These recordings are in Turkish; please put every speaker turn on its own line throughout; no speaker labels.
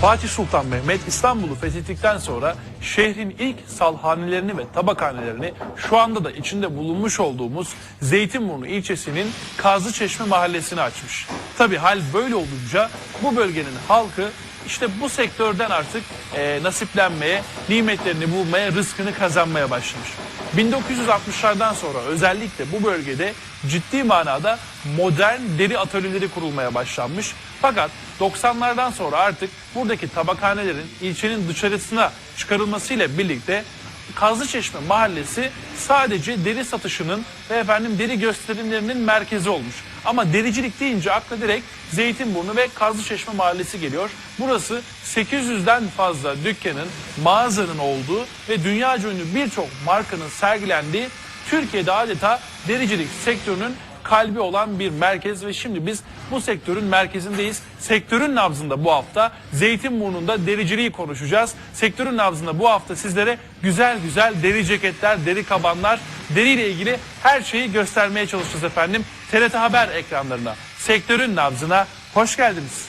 Fatih Sultan Mehmet İstanbul'u fethettikten sonra şehrin ilk salhanelerini ve tabakhanelerini şu anda da içinde bulunmuş olduğumuz Zeytinburnu ilçesinin Kazlıçeşme mahallesine açmış. Tabii hal böyle olunca bu bölgenin halkı işte bu sektörden artık nasiplenmeye, nimetlerini bulmaya, rızkını kazanmaya başlamış. 1960'lardan sonra özellikle bu bölgede ciddi manada modern deri atölyeleri kurulmaya başlanmış. Fakat 90'lardan sonra artık buradaki tabakhanelerin ilçenin dışarısına çıkarılmasıyla birlikte Kazlıçeşme mahallesi sadece deri satışının ve deri gösterimlerinin merkezi olmuş. Ama dericilik deyince akla direkt Zeytinburnu ve Kazlıçeşme mahallesi geliyor. Burası 800'den fazla dükkanın, mağazanın olduğu ve dünyaca ünlü birçok markanın sergilendiği, Türkiye'de adeta dericilik sektörünün kalbi olan bir merkez ve şimdi biz bu sektörün merkezindeyiz. Sektörün nabzında bu hafta Zeytinburnu'nda dericiliği konuşacağız. Sektörün nabzında bu hafta sizlere güzel güzel deri ceketler, deri kabanlar, deriyle ilgili her şeyi göstermeye çalışacağız efendim. TRT Haber ekranlarına, sektörün nabzına hoş geldiniz.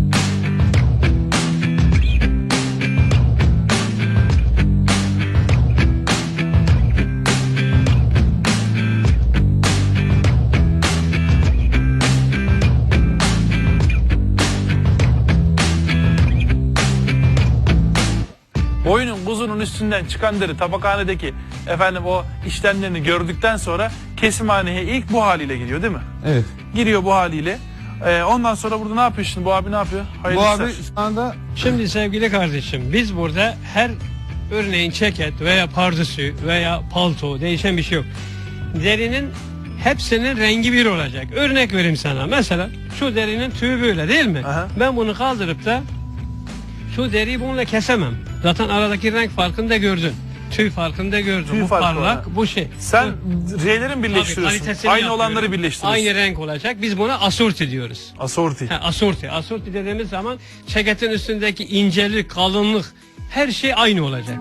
Boyunun buzunun üstünden çıkan deri tabakhanedeki o işlemlerini gördükten sonra kesimhaneye ilk bu haliyle giriyor değil mi?
Evet.
Giriyor bu haliyle. Ondan sonra burada ne yapıyor şimdi? Bu abi ne yapıyor? Hayırlı
Bu
işler.
abi şu anda
Şimdi sevgili kardeşim, biz burada her örneğin ceket veya pardösü veya palto, değişen bir şey yok. Derinin hepsinin rengi bir olacak. Örnek vereyim sana. Mesela şu derinin tüyü böyle değil mi?
Aha.
Ben bunu kaldırıp da şu deriyi bununla kesemem. Zaten aradaki renk farkını da gördün. Tüy farkını da gördün.
Tüy
bu
farkı
parlak,
var.
bu şey.
Sen
Bu-
R'lerin birleştiriyorsun.
kalitesini
Aynı
yapıyorum.
olanları birleştiriyorsun.
Aynı renk olacak. Biz buna asorti diyoruz.
Asorti.
Asorti. Asorti dediğimiz zaman ceketin üstündeki incelik, kalınlık her şey aynı olacak.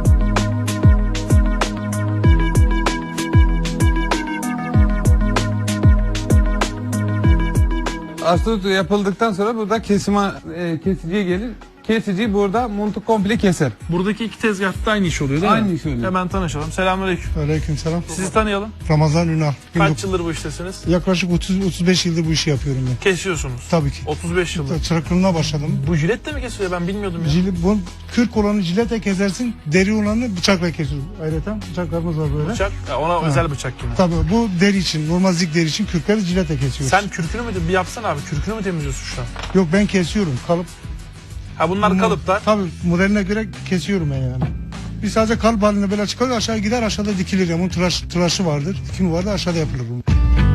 astrotu yapıldıktan sonra burada kesiciye gelir. Kesici burada montu komple keser.
Buradaki iki tezgahta aynı iş oluyor değil mi?
Aynı iş oluyor.
Hemen tanışalım. Selamünaleyküm.
Aleykümselam.
Sizi tanıyalım.
Ramazan Ünal.
Kaç yıldır bu iştesiniz?
Yaklaşık 30-35 yıldır bu işi yapıyorum ben.
Kesiyorsunuz.
Tabii ki.
35 yıldır.
Çıraklığına başladım.
Bu jilet de mi kesiliyor? Ben bilmiyordum ya.
Bu kürk olanı jiletle kesersin, deri olanı bıçakla kesiyorsun. Ayrıca bıçaklarımız var böyle.
Bıçak. Ona özel bıçak yine.
Tabii bu deri için, normal zik deri için kürkleri jiletle kesiyoruz.
Sen kürkünü mü bir yapsana abi? Kürkünü mü temizliyorsun şu an?
Yok, ben kesiyorum. Kalıp.
Ha bunlar kalıplar.
Tabii modeline göre kesiyorum ben yani. Biz sadece kalıp halinde böyle çıkarıyor, aşağı gider, aşağıda dikilir. Yani bunun tıraşı vardır, dikimi vardır, aşağıda yapılır bu.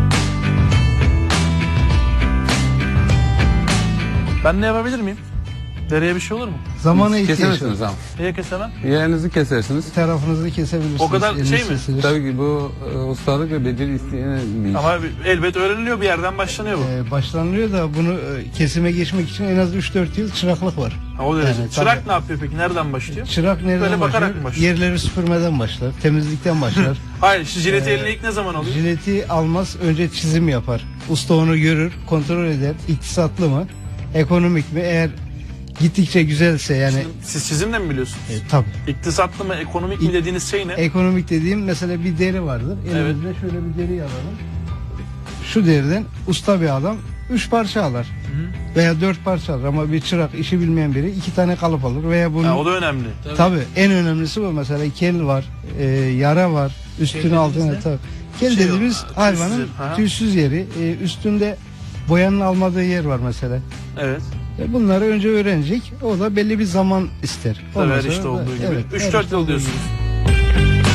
Ben ne yapabilir miyim? Dereye bir şey olur mu?
Zamana ihtiyaç
Kesemezsiniz
var.
ama.
Niye kesemem?
Yerinizi kesersiniz.
Tarafınızı kesebilirsiniz.
O kadar
eliniz
şey mi?
kesilir.
Tabii ki bu ustalık ve beceri isteyen bir iş.
Ama elbet öğreniliyor, bir yerden başlanıyor bu.
Başlanılıyor da bunu kesime geçmek için en az 3-4 yıl çıraklık var.
Ha, o derece.
Yani,
Çırak
tabii.
ne yapıyor peki? Nereden başlıyor?
Çırak nereden
Böyle bakarak
başlıyor?
mı başlıyor?
Yerleri süpürmeden başlar, temizlikten başlar.
Hayır, şu jileti eline ilk ne zaman alıyor?
Jileti almaz, önce çizim yapar. Usta onu görür, kontrol eder. İktisatlı mı, ekonomik mi? Eğer gittikçe güzelse yani
Siz çizimle mi biliyorsunuz?
tabii.
İktisatlı mı, ekonomik mi dediğiniz şey ne?
Ekonomik dediğim mesela bir deri vardır. Elimizde şöyle bir deri alalım. Şu deriden usta bir adam 3 parça alır. Veya 4 parça alır ama bir çırak işi bilmeyen biri 2 tane kalıp alır veya bunun
Ha, o da önemli.
tabii en önemlisi bu, mesela kel var, yara var, üstüne altına tabii. Kel
Şey,
dediğimiz
tüysüz
hayvanın
yer, ha.
tüysüz yeri, üstünde boyanın almadığı yer var mesela.
Evet.
Bunları önce öğrenecek. O da belli bir zaman ister.
Tabii
Ondan
her
sonra
işte
da-
olduğu gibi.
evet, her
3-4
işte
yıl
olduğu
diyorsunuz.
gibi.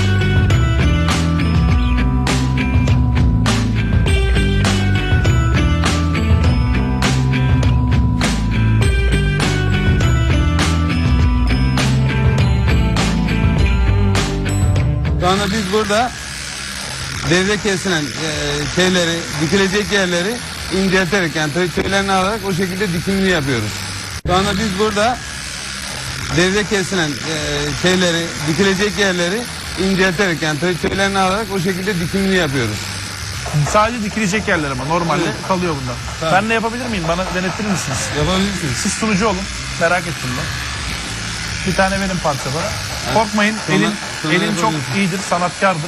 Şu anda biz burada deride kesilen şeyleri, dikilecek yerleri incelterek yani tüylerini alarak o şekilde dikimini yapıyoruz. Şu anda biz burada deride kesilen şeyleri, dikilecek yerleri incelterek yani tüylerini alarak o şekilde dikimini yapıyoruz.
Sadece dikilecek yerler ama normalde
Evet.
kalıyor bundan.
Tabii.
Ben de yapabilir miyim? Bana denettirir misiniz?
Yapabilirsiniz.
Siz sunucu olun. Merak ettim ben. Bir tane verin parça bana. Korkmayın,
Sonra- sonra
elin çok
yapabilirsin.
iyidir, sanatkardır.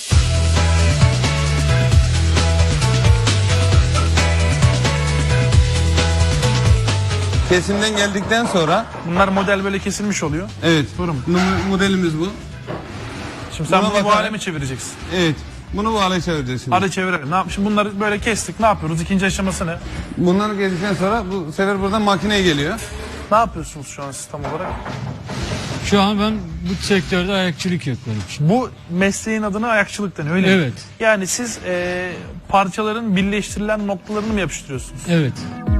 Kesimden geldikten sonra
Bunlar model böyle kesilmiş oluyor.
evet
Buyurun.
modelimiz bu.
Şimdi sen
Buna
bunu bu
bakarak-
hale mi çevireceksin?
Evet. Bunu bu hale çevireceğiz şimdi.
Hadi çevirelim. Ne yap? Şimdi bunları böyle kestik. Ne yapıyoruz? İkinci aşaması ne?
Bunları geldikten sonra bu sefer buradan makineye geliyor.
Ne yapıyorsunuz şu an siz tam olarak?
Şu an ben bu sektörde ayakçılık yapıyorum.
Bu mesleğin adına ayakçılık deniyor öyle mi?
Evet.
Yani siz parçaların birleştirilen noktalarını mı yapıştırıyorsunuz?
Evet.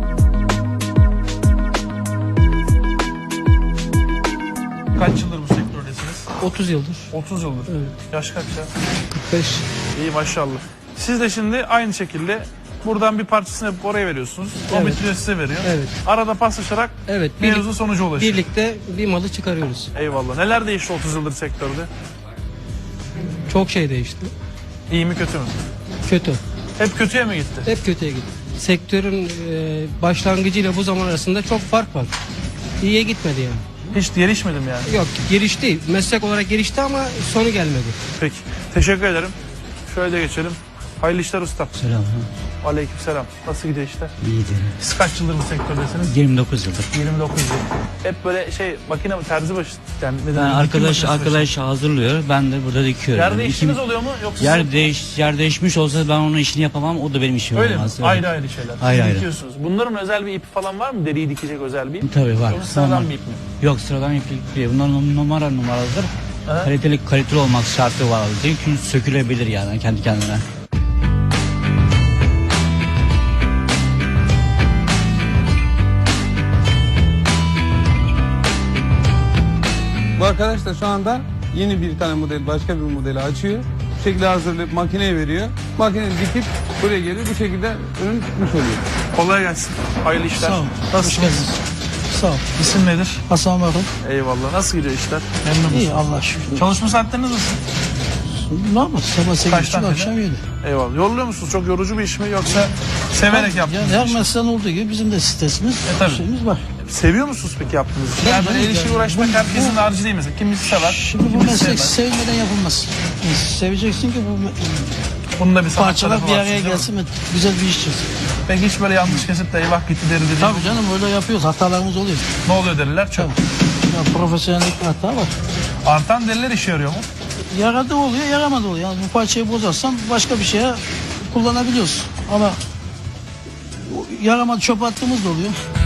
Kaç yıldır bu sektördesiniz?
30 yıldır.
30 yıldır. Yaş kaç ya?
5.
İyi maşallah. Siz de şimdi aynı şekilde buradan bir parçasını yapıp oraya veriyorsunuz. O
Evet.
bitiriyor size veriyor.
Evet.
Arada paslaşarak
Evet.
mevzu sonuca ulaşıyor.
Birlikte bir malı çıkarıyoruz.
Eyvallah. Neler değişti 30 yıldır sektörde?
Çok şey değişti.
İyi mi kötü mü?
Kötü.
Hep kötüye mi gitti?
Hep kötüye gitti. Sektörün başlangıcıyla bu zaman arasında çok fark var. İyiye gitmedi yani.
Hiç gelişmedim yani.
Yok, gelişti. Meslek olarak gelişti ama sonu gelmedi.
Peki. Teşekkür ederim. Şöyle de geçelim. Hayırlı işler usta.
Selam.
Aleykümselam. Nasıl gidiyor işler?
İyidir.
Siz kaç yıldır bu sektördesiniz?
29 yıldır.
29 yıl. Hep böyle makine mi terzi başı? Yani
Ben
dikim makinesi başı.
arkadaş hazırlıyor. Ben de burada dikiyorum.
Yer
Yani
değiştiniz
kim-
oluyor mu? Yoksa
yer değişmiş olsa ben onun işini yapamam. O da benim işim
öyle mi?
olmaz. Evet.
Ayrı ayrı şeyler. Siz
Ayrı ayrı.
dikiyorsunuz. Bunların özel bir ipi falan var mı? Deriyi dikecek özel bir ip.
Tabii var.
Yoksa sıradan
Normal.
bir ip mi?
Yok sıradan iplik değil. Bunlar numaralıdır.
Aha.
Kaliteli olmak şartı var. Çünkü sökülebilir yani kendi kendine.
Bu arkadaş da şu anda yeni bir tane model, başka bir modeli açıyor. Bu şekilde hazırlayıp makineye veriyor. Makine dikip buraya geliyor. Bu şekilde ürün çıkmış oluyor.
Kolay gelsin. Hayırlı işler.
Sağ ol.
Nasılsınız?
Sağ ol.
İsim nedir?
Hasan Bakın.
Eyvallah. Nasıl gidiyor işler? Memnun musun?
İyi Allah şükür.
Çalışma saatleriniz nasıl?
Normal. Sabah 8.30
Kaçtan
akşam 7.
Eyvallah. Yoruluyor musunuz? Çok yorucu bir iş mi yoksa severek yaptığınız
Yani
bir iş
her
mi?
mesleğin olduğu gibi bizim de stresimiz,
tabii.
şeyimiz var.
Seviyor musunuz peki yaptığınız işi? Yani böyle el işiyle
Yani
uğraşmak
bu-
herkesin harcı değil mesela. Kimisi sever,
Şimdi bu
kimisi
meslek
sevmez.
sevmeden yapılmaz. Yani seveceksin ki bu
Bunun da bir sanat
parçalar
tarafı
bir
var
araya
şimdi, değil mi?
gelsin ve güzel bir iş çıksın.
Peki hiç böyle yanlış kesip de eyvah gitti deri dedi.
Tabii canım öyle yapıyoruz. Hatalarımız oluyor.
Ne oluyor deriler? Çok.
Ya profesyonellik bir hata var.
Artan deriler işe yarıyor mu?
Yaradı oluyor, yaramadı oluyor. Yani bu parçayı bozarsam başka bir şeye kullanabiliyoruz. Ama yaramadı çöp attığımız da oluyor.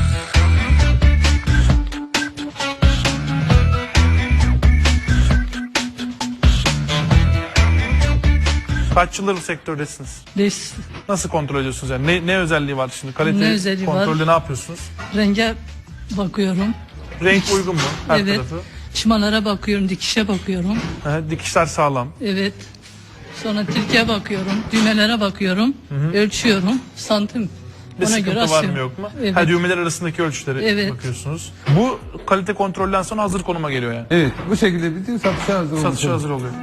Kaç yıldır bu sektördesiniz? Nasıl kontrol ediyorsunuz yani? Ne özelliği var şimdi? Kalite
Ne özelliği var?
kontrolü ne yapıyorsunuz?
Renge bakıyorum.
Renk uygun mu? Her
Evet.
tarafı.
Çımalara bakıyorum, dikişe bakıyorum.
Dikişler sağlam.
Evet. Sonra tilkiye bakıyorum, düğmelere bakıyorum, ölçüyorum, santim.
Bir
Ona
sıkıntı
göre
var mı
asıyorum.
yok mu?
Evet.
Ha, düğmeler arasındaki ölçüleri
Evet.
bakıyorsunuz. Bu kalite kontrolden sonra hazır konuma geliyor yani.
Evet, bu şekilde bitiyor, satışa hazır olmuş
Satışa
oluyor.
hazır oluyor.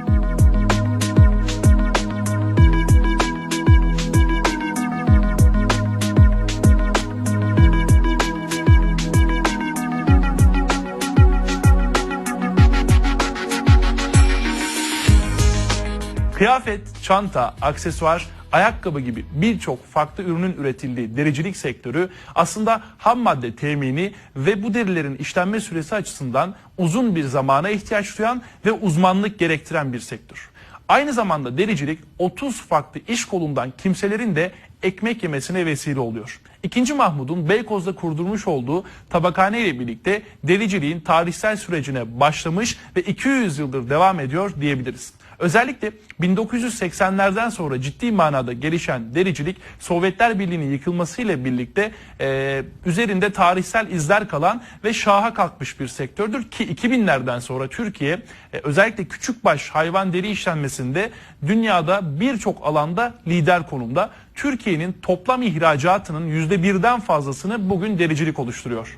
Kıyafet, çanta, aksesuar, ayakkabı gibi birçok farklı ürünün üretildiği dericilik sektörü aslında ham madde temini ve bu derilerin işlenme süresi açısından uzun bir zamana ihtiyaç duyan ve uzmanlık gerektiren bir sektör. Aynı zamanda dericilik 30 farklı iş kolundan kimselerin de ekmek yemesine vesile oluyor. II. Mahmud'un Beykoz'da kurdurmuş olduğu tabakhane ile birlikte dericiliğin tarihsel sürecine başlamış ve 200 yıldır devam ediyor diyebiliriz. Özellikle 1980'lerden sonra ciddi manada gelişen dericilik Sovyetler Birliği'nin yıkılmasıyla birlikte üzerinde tarihsel izler kalan ve şaha kalkmış bir sektördür ki 2000'lerden sonra Türkiye özellikle küçükbaş hayvan deri işlenmesinde dünyada birçok alanda lider konumda. Türkiye'nin toplam ihracatının %1'den fazlasını bugün dericilik oluşturuyor.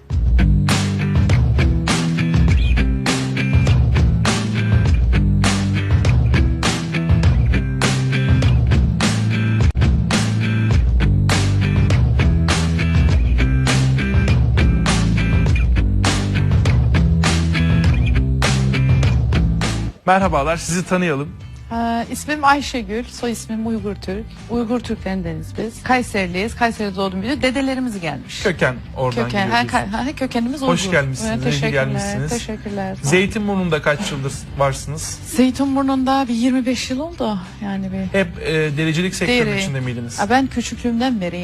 Merhabalar, sizi tanıyalım.
İsmim Ayşegül, soy ismim Uygur Türk. Uygur Türklerindeniz biz. Kayseriliyiz, Kayseri'de doğdum büyüdüm. Dedelerimiz gelmiş.
Köken oradan
Köken,
geliyor diyorsun.
kökenimiz Uygur.
Hoş gelmişsiniz, iyi ki
teşekkürler,
gelmişsiniz.
teşekkürler.
Zeytinburnu'nda kaç yıldır varsınız?
Zeytinburnu'nda bir 25 yıl oldu. Yani bir
Hep dericilik sektörünün
Deri.
içinde miydiniz?
Ben küçüklüğümden beri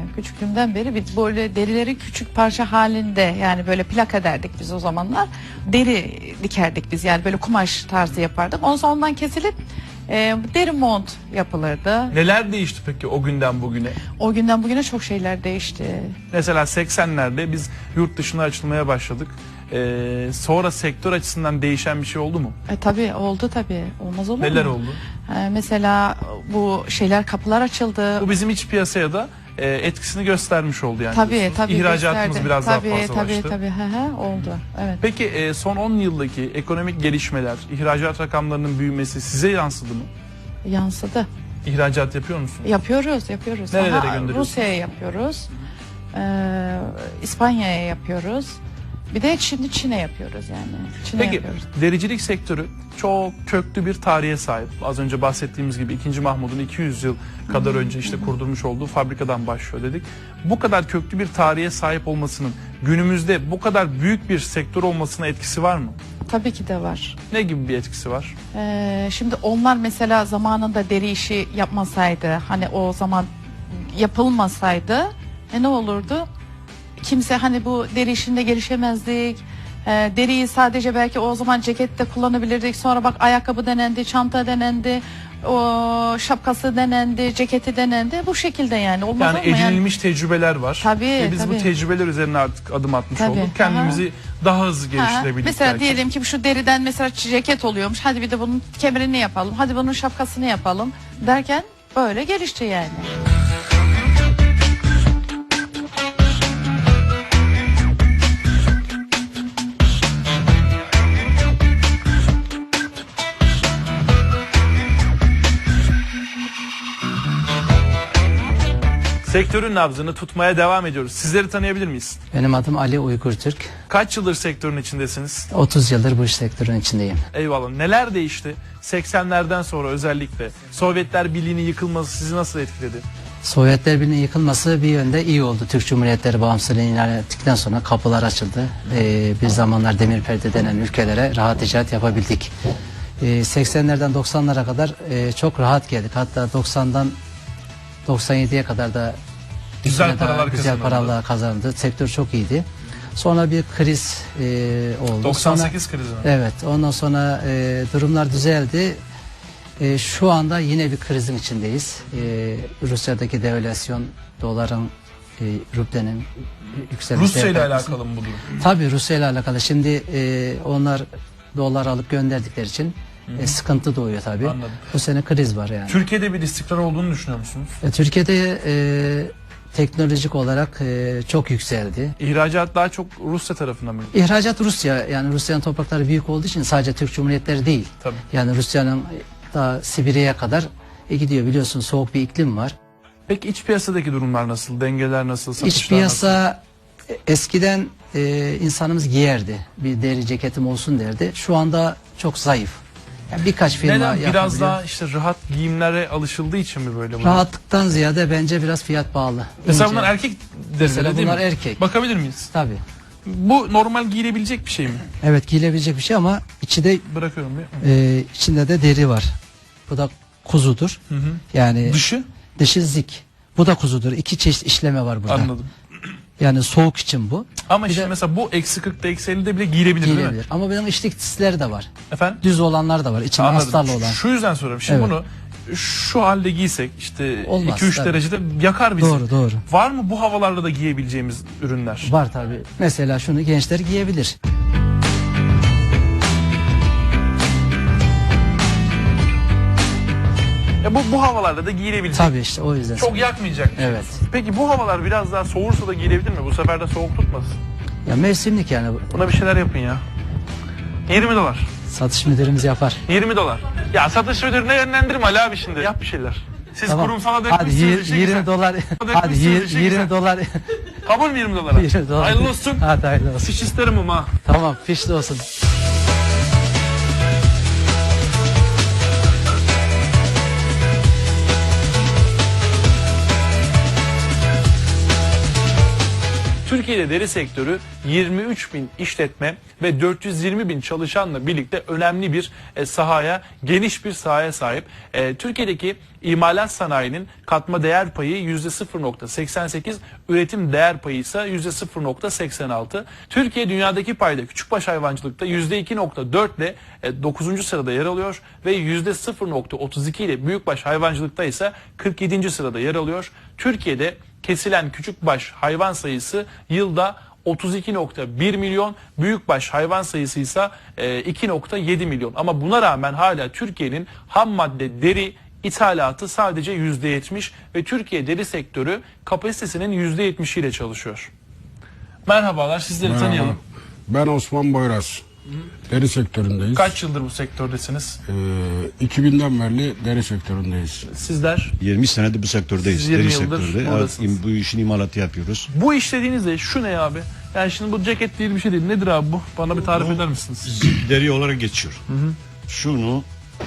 biz böyle derileri küçük parça halinde yani böyle plak ederdik biz o zamanlar. Deri dikerdik biz yani böyle kumaş tarzı yapardık. Ondan sonra ondan kesilip deri mont yapılırdı.
Neler değişti peki o günden bugüne?
O günden bugüne çok şeyler değişti.
Mesela 80'lerde biz yurt dışına açılmaya başladık. Sonra sektör açısından değişen bir şey oldu mu?
Tabii oldu tabii. Olmaz olur mu?
Neler oldu?
Mesela bu kapılar açıldı.
Bu bizim iç piyasaya da etkisini göstermiş oldu yani.
Tabii
diyorsunuz.
tabii.
İhracatımız
gösterdi.
biraz
tabii,
daha fazlalaştı.
Tabii oldu. Evet.
Peki son 10 yıldaki ekonomik gelişmeler, ihracat rakamlarının büyümesi size yansıdı mı?
Yansıdı.
İhracat yapıyor musunuz?
Yapıyoruz.
Nerelere gönderiyorsunuz?
Rusya'ya yapıyoruz. İspanya'ya yapıyoruz. Bir de Çin'e yapıyoruz yani.
Peki
yapıyoruz.
dericilik sektörü çok köklü bir tarihe sahip. Az önce bahsettiğimiz gibi 2. Mahmud'un 200 yıl kadar önce işte kurdurmuş olduğu fabrikadan başlıyor dedik. Bu kadar köklü bir tarihe sahip olmasının günümüzde bu kadar büyük bir sektör olmasına etkisi var mı?
Tabii ki de var.
Ne gibi bir etkisi var?
Şimdi onlar mesela zamanında deri işi yapmasaydı, hani o zaman yapılmasaydı ne olurdu? Kimse hani bu deri işinde gelişemezdik. Deriyi sadece belki o zaman cekette kullanabilirdik. Sonra bak ayakkabı denendi, çanta denendi, o şapkası denendi, ceketi denendi. Bu şekilde yani. Olmaz
Yani
ama
edinilmiş tecrübeler var.
Tabii,
Ve biz bu
tabii.
tecrübeler üzerine artık adım atmış
Tabii,
olduk. Kendimizi daha hızlı
Ha,
geliştirebildik
mesela
belki.
diyelim ki şu deriden mesela ceket oluyormuş. Hadi bir de bunun kemerini yapalım. Hadi bunun şapkasını yapalım derken böyle gelişti yani.
Sektörün nabzını tutmaya devam ediyoruz. Sizleri tanıyabilir miyiz?
Benim adım Ali Uygur Türk.
Kaç yıldır sektörün içindesiniz?
30 yıldır bu iş sektörün içindeyim.
Eyvallah. Neler değişti? 80'lerden sonra özellikle Sovyetler Birliği'nin yıkılması sizi nasıl etkiledi?
Sovyetler Birliği'nin yıkılması bir yönde iyi oldu. Türk Cumhuriyetleri bağımsızlığını ilan ettikten sonra kapılar açıldı. Bir zamanlar demir perde denen ülkelere rahat ticaret yapabildik. 80'lerden 90'lara kadar çok rahat geldik. Hatta 90'dan 97'ye kadar da
Güzel
bir süre daha
paralar
güzel
kazanıldı.
paralar kazandı. Sektör çok iyiydi. Sonra bir kriz oldu.
98 krizi mi?
Evet, ondan sonra durumlar düzeldi. Şu anda yine bir krizin içindeyiz. Rusya'daki devalüasyon, doların, rublenin yükselmesi.
Rusya ile alakalı mı bu durum?
Tabii Rusya ile alakalı. Şimdi onlar dolar alıp gönderdikleri için sıkıntı doğuyor tabii.
Anladım.
Bu sene kriz var yani.
Türkiye'de bir istikrar olduğunu düşünüyor musunuz?
Türkiye'de teknolojik olarak çok yükseldi.
İhracat daha çok Rusya tarafından mı?
İhracat Rusya, yani Rusya'nın toprakları büyük olduğu için sadece Türk Cumhuriyetleri değil.
Tabii.
Yani Rusya'nın daha Sibirya'ya kadar gidiyor, biliyorsun soğuk bir iklim var.
Peki iç piyasadaki durumlar nasıl? Dengeler nasıl? Satışlar
İç piyasa eskiden insanımız giyerdi. Bir deri ceketim olsun derdi. Şu anda çok zayıf. Yani birkaç firma
Neden? Biraz
yapabiliyor.
daha işte rahat giyimlere alışıldığı için mi böyle? bunlar?
Rahatlıktan ziyade bence biraz fiyat pahalı.
Mesela
İnce.
bunlar erkek
Mesela
derileri değil
bunlar
mi?
erkek.
Bakabilir miyiz?
Tabii.
Bu normal giyilebilecek bir şey mi?
Evet, giyilebilecek bir şey ama içi de
Bırakıyorum bir.
içinde de deri var. Bu da kuzudur.
Hı hı.
Yani
Dışı?
zik. Bu da kuzudur. İki çeşit işleme var burada.
Anladım.
Yani soğuk için bu.
Ama
Bir
şimdi
de-
mesela bu eksi 40'da eksi 50'de bile giyilebilir değil mi?
Giyilebilir. Ama benim içlik tisleri de var.
Efendim?
Düz olanlar da var. İçinde
Anladım.
astarlı olan.
Şu yüzden soruyorum. Şimdi
Evet.
bunu şu halde giysek işte
Olmaz,
2-3
tabii.
derecede yakar bizi.
Doğru, doğru.
Var mı bu havalarda da giyebileceğimiz ürünler?
Var tabii. Mesela şunu gençler giyebilir.
Ya bu havalarda da giyilebilecek.
Tabii işte o yüzden.
Çok yakmayacak. bir şey.
Evet.
Peki bu havalar biraz daha soğursa da giyilebilir mi? Bu sefer de soğuk tutmasın.
Ya mevsimlik yani.
Buna bir şeyler yapın ya. 20 dolar.
Satış müdürümüz yapar.
20 dolar. Ya satış müdürüne yönlendirme Ali abi şimdi. Yap bir şeyler. Siz
Tamam.
kurumsala
Hadi
dökmüşsünüz işe
20
güzel.
dolar.
Dökmüşsünüz
Hadi
işe
20
güzel.
dolar.
Kabul mü 20 dolara?
20 dolar.
Hayırlı olsun.
Hadi hayırlı olsun.
Fiş isterim ama.
Tamam, fişli olsun.
Türkiye'de deri sektörü 23 bin işletme ve 420 bin çalışanla birlikte önemli bir sahaya, geniş bir sahaya sahip. Türkiye'deki imalat sanayinin katma değer payı %0.88, üretim değer payı ise %0.86. Türkiye dünyadaki payda küçükbaş hayvancılıkta %2.4 ile 9. sırada yer alıyor ve %0.32 ile büyükbaş hayvancılıkta ise 47. sırada yer alıyor. Türkiye'de kesilen küçükbaş hayvan sayısı yılda 32.1 milyon, büyükbaş hayvan sayısı ise 2.7 milyon. Ama buna rağmen hala Türkiye'nin ham madde deri ithalatı sadece %70 ve Türkiye deri sektörü kapasitesinin %70 ile çalışıyor. Merhabalar, sizleri tanıyalım.
Ben Osman Boyraz. Deri sektöründeyiz.
Kaç yıldır bu sektördesiniz?
2000'den beri deri sektöründeyiz.
Sizler?
20 senedir bu sektördeyiz.
Siz 20
deri
yıldır
sektörde.
buradasınız.
Evet, bu işin imalatı yapıyoruz.
Bu iş dediğinizde şu ne abi? Yani şimdi bu ceket değil bir şey değil. Nedir abi bu? Bana bir tarif eder misiniz?
Deri olarak geçiyor. Şunu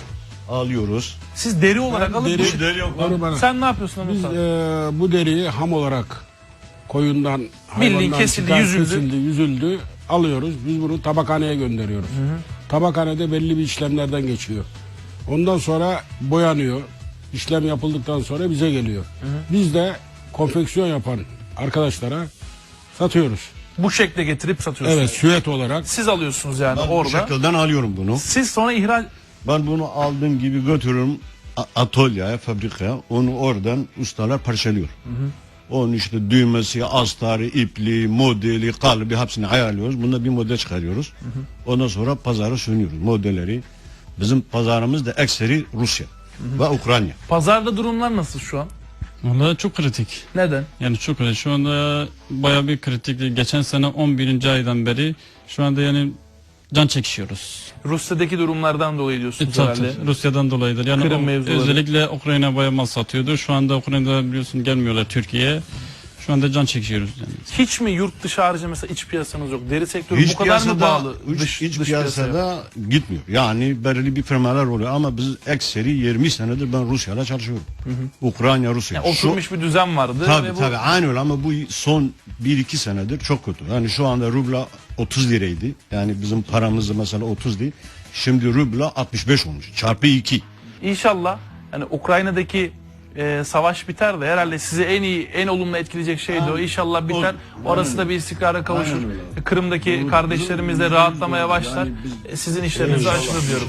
alıyoruz.
Siz deri olarak alıp
Onu bana-
sen ne yapıyorsun
Biz
Anadolu?
bu deriyi ham olarak koyundan, hayvandan
kesildi,
çıkan,
yüzüldü.
yüzüldü alıyoruz. Biz bunu tabakhaneye gönderiyoruz. Tabakhanede belli bir işlemlerden geçiyor. Ondan sonra boyanıyor. İşlem yapıldıktan sonra bize geliyor. Biz de konfeksiyon yapan arkadaşlara satıyoruz.
Bu şekle getirip satıyorsunuz.
Evet, süet olarak.
Siz alıyorsunuz yani
Ben bu
orada.
şekilden alıyorum bunu.
Siz sonra ihraç...
Ben bunu aldığım gibi götürüyorum atölyeye, fabrikaya. Onu oradan ustalar parçalıyor. Onun işte düğmesi, astarı, ipliği, modeli, kalıbı hepsini ayarlıyoruz. Bunda bir model çıkarıyoruz. Ondan sonra pazara sunuyoruz modelleri. Bizim pazarımız da ekseri Rusya ve Ukrayna.
Pazarda durumlar nasıl şu an?
Vallahi çok kritik.
Neden?
Yani çok kritik. Şu anda bayağı bir kritik. Geçen sene 11. aydan beri şu anda yani can çekişiyoruz.
Rusya'daki durumlardan dolayı diyorsunuz
Tabii,
herhalde.
Rusya'dan dolayıdır. Yani
Kırım mevzuları.
özellikle Ukrayna bayağı mal satıyordu. Şu anda Ukrayna'da biliyorsun gelmiyorlar Türkiye'ye. Şu anda can çekiyoruz yani.
Hiç mi yurt dışı harici mesela iç piyasanız yok? Deri sektörü bu kadar mı bağlı?
Hiç piyasada gitmiyor. Yani belirli bir firmalar oluyor ama biz ekseri 20 senedir ben Rusya'yla çalışıyorum. Ukrayna, Rusya.
Yani oturmuş bir düzen vardı.
Tabii
ve bu...
tabii aynı öyle ama bu son 1-2 senedir çok kötü. Yani şu anda rubla 30 liraydı. Yani bizim paramızda mesela 30 değil. Şimdi rubla 65 olmuş. Çarpı 2.
İnşallah yani Ukrayna'daki savaş biter de herhalde sizi en iyi, en olumlu etkileyecek şey de o. İnşallah biter. Orası da bir istikrara kavuşur. Kırım'daki kardeşlerimiz de rahatlamaya başlar. Sizin işleriniz açılır diyorum.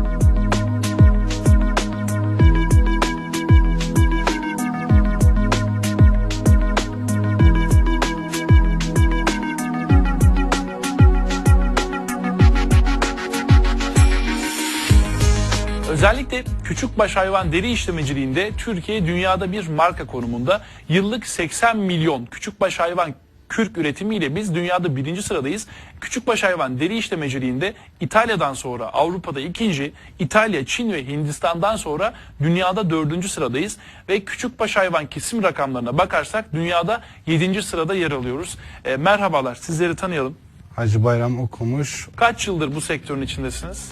Özellikle küçükbaş hayvan deri işlemeciliğinde Türkiye dünyada bir marka konumunda. Yıllık 80 milyon küçükbaş hayvan kürk üretimiyle biz dünyada 1. sıradayız. Küçükbaş hayvan deri işlemeciliğinde İtalya'dan sonra Avrupa'da 2. İtalya, Çin ve Hindistan'dan sonra dünyada 4. sıradayız. Ve küçükbaş hayvan kesim rakamlarına bakarsak dünyada 7. sırada yer alıyoruz. Merhabalar, sizleri tanıyalım.
Hacı Bayram Okumuş.
Kaç yıldır bu sektörün içindesiniz?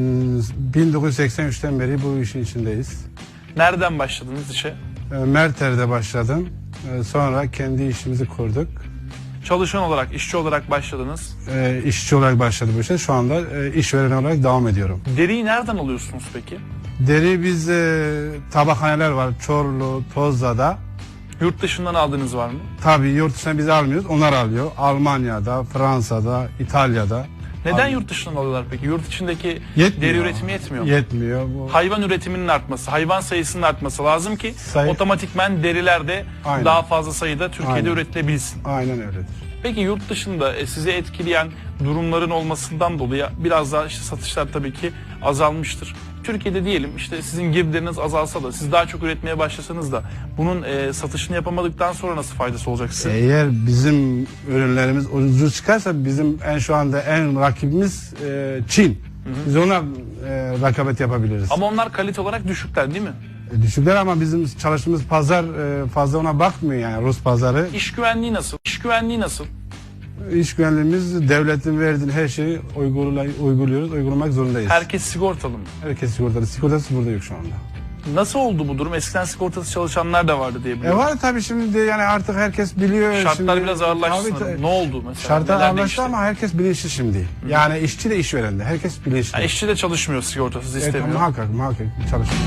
1983'ten beri bu işin içindeyiz.
Nereden başladınız işe?
Merter'de başladım. Sonra kendi işimizi kurduk.
Çalışan olarak, işçi olarak başladınız.
İşçi olarak başladı bu işe. Şu anda işveren olarak devam ediyorum.
Deriyi nereden alıyorsunuz peki?
Deri biz tabakhaneler var. Çorlu, Tozla'da.
Yurt dışından aldığınız var mı?
Tabii yurt dışına biz almıyoruz. Onlar alıyor. Almanya'da, Fransa'da, İtalya'da.
Neden yurt dışından alıyorlar peki? Yurt içindeki
Yetmiyor.
deri üretimi yetmiyor mu?
Yetmiyor. Bu
Hayvan üretiminin artması, hayvan sayısının artması lazım ki
Sayı-
otomatikmen derilerde
Aynen.
daha fazla sayıda Türkiye'de
Aynen.
üretilebilsin.
aynen öyledir.
Peki yurt dışında sizi etkileyen durumların olmasından dolayı biraz daha işte satışlar tabii ki azalmıştır. Türkiye'de diyelim işte sizin girdileriniz azalsa da siz daha çok üretmeye başlasanız da bunun satışını yapamadıktan sonra nasıl faydası olacak size?
Eğer bizim ürünlerimiz ucuz çıkarsa bizim şu anda en rakibimiz Çin. Biz ona rekabet yapabiliriz.
Ama onlar kalite olarak düşükler değil mi?
Düşükler ama bizim çalıştığımız pazar fazla ona bakmıyor yani Rus pazarı.
İş güvenliği nasıl? İş güvenliği nasıl?
İş güvenliğimiz devletin verdiği her şeyi uygulamak zorundayız.
Herkes sigortalı mı?
Herkes sigortalı. Sigortası burada yok şu anda.
Nasıl oldu bu durum? Eskiden sigortası çalışanlar da vardı diye biliyorum.
Var tabii şimdi yani artık herkes biliyor.
Şartlar
şimdi,
biraz ağırlaştı
tabii,
sanırım. Ne oldu mesela?
Şartlar
Neler
ağırlaştı
değişti?
ama herkes bilinçli şimdi. Yani işçi de işveren de herkes bilinçli.
Yani işçi de çalışmıyor, sigortasız
Evet,
istemiyor.
muhakkak çalışıyor.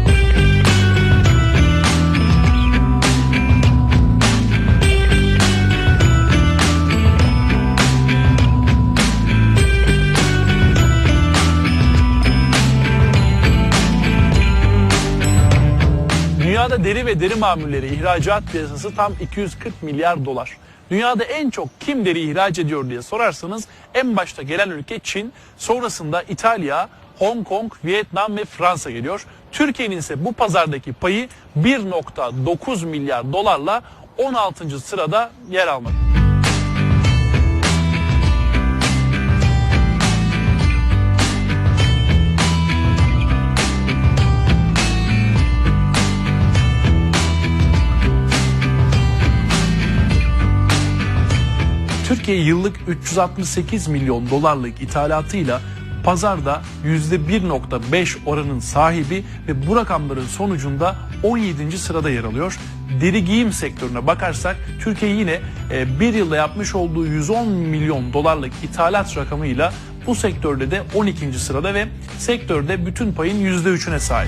Dünyada deri ve deri mamulleri ihracat piyasası tam 240 milyar dolar. Dünyada en çok kim deri ihraç ediyor diye sorarsanız en başta gelen ülke Çin, sonrasında İtalya, Hong Kong, Vietnam ve Fransa geliyor. Türkiye'nin ise bu pazardaki payı 1.9 milyar dolarla 16. sırada yer almakta. Türkiye yıllık 368 milyon dolarlık ithalatıyla pazarda %1.5 oranın sahibi ve bu rakamların sonucunda 17. sırada yer alıyor. Deri giyim sektörüne bakarsak Türkiye yine bir yılda yapmış olduğu 110 milyon dolarlık ithalat rakamıyla bu sektörde de 12. sırada ve sektörde bütün payın %3'üne sahip.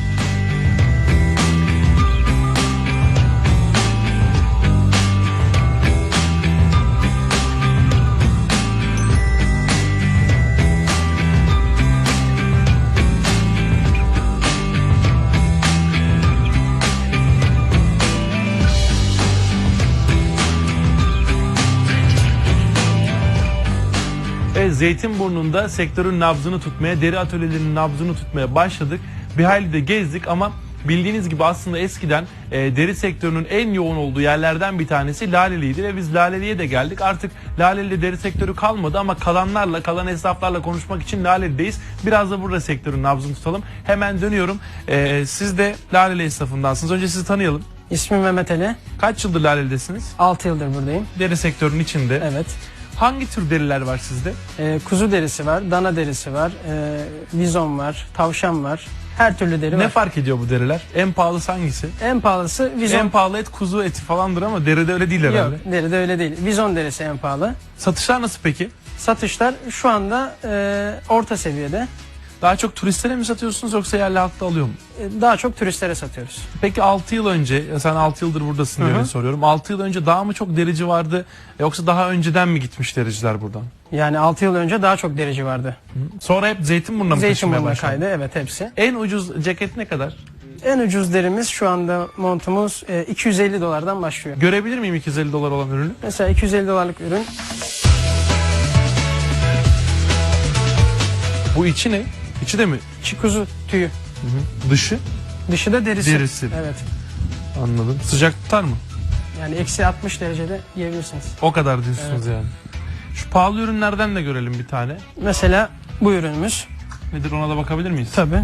Zeytinburnu'nda sektörün nabzını tutmaya, deri atölyelerinin nabzını tutmaya başladık. Bir hayli de gezdik ama bildiğiniz gibi aslında eskiden deri sektörünün en yoğun olduğu yerlerden bir tanesi Laleli'ydi ve biz Laleli'ye de geldik. Artık Laleli'de deri sektörü kalmadı ama kalan esnaflarla konuşmak için Laleli'deyiz. Biraz da burada sektörün nabzını tutalım. Hemen dönüyorum. Siz de Laleli esnafındansınız. Önce sizi tanıyalım.
İsmim Mehmet Ali.
Kaç yıldır Laleli'desiniz?
6 yıldır buradayım.
Deri sektörünün içinde.
Evet.
Hangi tür deriler var sizde?
Kuzu derisi var, dana derisi var, vizon var, tavşan var. Her türlü deri var.
Ne fark ediyor bu deriler? En pahalısı hangisi?
En pahalısı vizon.
En pahalı et kuzu eti falandır ama deride öyle değil herhalde.
Yok, deride öyle değil. Vizon derisi en pahalı.
Satışlar nasıl peki?
Satışlar şu anda orta seviyede.
Daha çok turistlere mi satıyorsunuz yoksa yerli halkta alıyor mu?
Daha çok turistlere satıyoruz.
Peki 6 yıl önce, sen 6 yıldır buradasın diye soruyorum. 6 yıl önce daha mı çok derici vardı yoksa daha önceden mi gitmiş dericiler buradan?
Yani 6 yıl önce daha çok derici vardı.
Sonra hep Zeytinburnu'na mı taşımaya
Zeytinburnu'na
başladı?
kaydı, evet hepsi.
En ucuz ceket ne kadar?
En ucuz derimiz şu anda montumuz 250 dolardan başlıyor.
Görebilir miyim 250 dolar olan ürünü?
Mesela 250 dolarlık ürün.
Bu içi ne? İçi de mi?
İçi kuzu tüyü.
Dışı?
Dışı da derisi.
Derisi.
Evet.
Anladım. Sıcak tutar mı?
Yani eksi 60 derecede yiyebilirsiniz.
O kadar diyorsunuz
Evet.
yani. Şu pahalı ürünlerden de görelim bir tane.
Mesela bu ürünümüz.
Nedir, ona da bakabilir miyiz?
Tabii.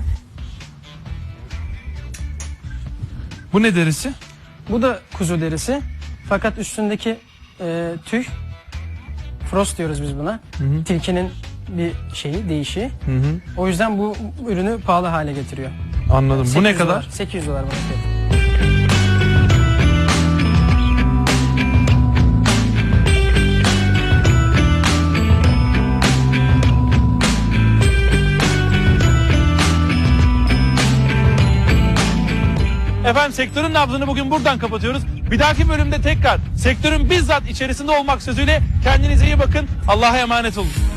Bu ne derisi?
Bu da kuzu derisi. Fakat üstündeki tüy, frost diyoruz biz buna. Tilkinin bir şeyi, değişi. O yüzden bu ürünü pahalı hale getiriyor.
Anladım. Bu ne kadar?
Dolar, 800 dolar bunun fiyatı.
Efendim sektörün nabzını bugün buradan kapatıyoruz. Bir dahaki bölümde tekrar sektörün bizzat içerisinde olmak sözüyle kendinize iyi bakın. Allah'a emanet olun.